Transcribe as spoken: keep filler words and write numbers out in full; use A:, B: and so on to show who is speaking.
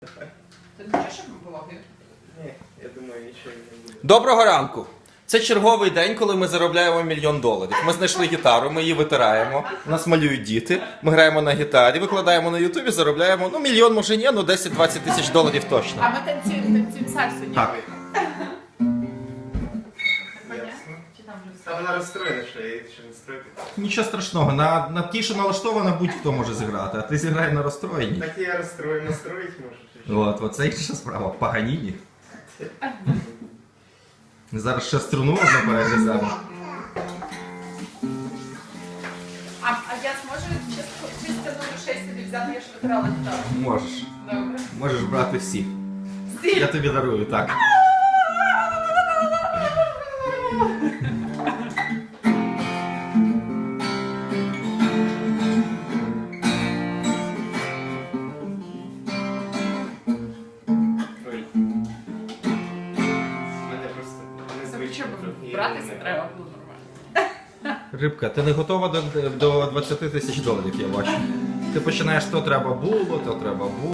A: Ти не хочеш, щоб ми влоги?
B: Ні, я думаю, нічого не буде.
C: Доброго ранку! Це черговий день, коли ми заробляємо мільйон доларів. Ми знайшли гітару, ми її витираємо, нас малюють діти, ми граємо на гітарі, викладаємо на ютубі, заробляємо, ну мільйон може ні, ну десять-двадцять тисяч доларів точно.
A: А ми танцюємо, танцюємо сальсу, ні?
C: Так.
B: Ясно.
A: Чи там вже
B: Та вона розстроєна, що я її ще не строю.
C: Нічого страшного, на, на ті, що налаштована, будь-хто може зіграти, а ти зіграй на розстроєнні.
B: Так я розстрою, настроїть можу. чи що?
C: От, оце інша справа, Паганіні. Зараз ще струну одну перегриземо.
A: А, а я зможу чисто, чисто номер шість тобі взяти, я ж витирала гітару.
C: Можеш.
A: Добре.
C: Можеш брати всі.
A: Всі?
C: Я тобі дарую, так.
B: Ой. Мене просто
A: Це
B: незвично.
A: щоб
B: трохи, я
A: братися
B: не
A: треба було нормально.
C: Рибка, ти не готова до, до двадцяти тисяч доларів, я бачу. Ти починаєш, то треба було, то треба було.